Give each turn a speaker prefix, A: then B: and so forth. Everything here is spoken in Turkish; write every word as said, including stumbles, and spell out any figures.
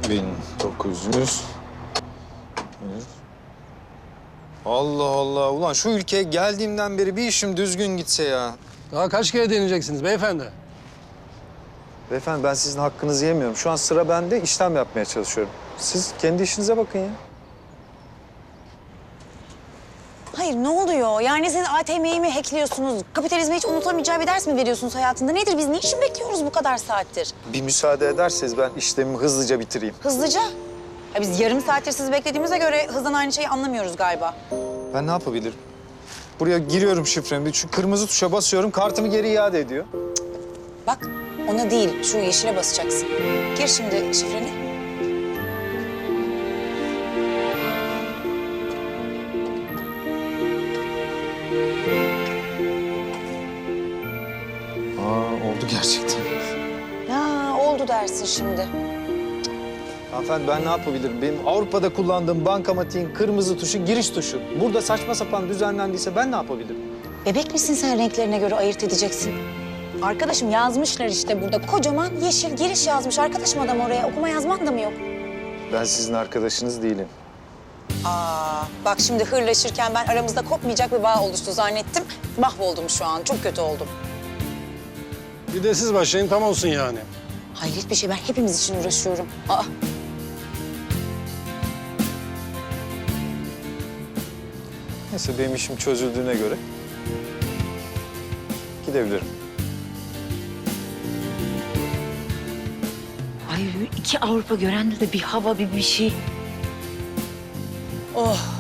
A: bin dokuz yüz. Allah Allah. Ulan şu ülkeye geldiğimden beri bir işim düzgün gitse ya.
B: Daha kaç kere deneyeceksiniz beyefendi?
A: Beyefendi ben sizin hakkınızı yemiyorum. Şu an sıra bende, işlem yapmaya çalışıyorum. Siz kendi işinize bakın ya.
C: Hayır ne oluyor? Yani siz A T M'yi mi hackliyorsunuz? Kapitalizme hiç unutamayacağı bir ders mi veriyorsunuz hayatında? Nedir biz niçin bekliyoruz bu kadar saattir?
A: Bir müsaade ederseniz ben işlemimi hızlıca bitireyim.
C: Hızlıca. Ha, biz yarım saattir sizi beklediğimize göre hızdan aynı şeyi anlamıyoruz galiba.
A: Ben ne yapabilirim? Buraya giriyorum şifremi, şu kırmızı tuşa basıyorum, kartımı geri iade ediyor.
C: Bak ona değil şu yeşile basacaksın. Gir şimdi şifreni.
A: Aa, oldu gerçekten.
C: Ya oldu dersin şimdi.
A: Hanımefendi ben ne yapabilirim? Benim Avrupa'da kullandığım bankamatiğin kırmızı tuşu giriş tuşu. Burada saçma sapan düzenlendiyse ben ne yapabilirim?
C: Bebek misin sen renklerine göre ayırt edeceksin? Arkadaşım yazmışlar işte burada. Kocaman yeşil giriş yazmış. Arkadaşım adam oraya. Okuma yazman da mı yok?
A: Ben sizin arkadaşınız değilim.
C: Aa, bak şimdi hırlaşırken ben aramızda kopmayacak bir bağ oluştu zannettim. Mahvoldum şu an. Çok kötü oldum.
B: Bir de siz başlayın tam olsun yani.
C: Hayret bir şey. Ben hepimiz için uğraşıyorum. Aa.
A: Neyse benim işim çözüldüğüne göre gidebilirim.
D: Ay iki Avrupa görende de bir hava bir bir şey.
C: Oh.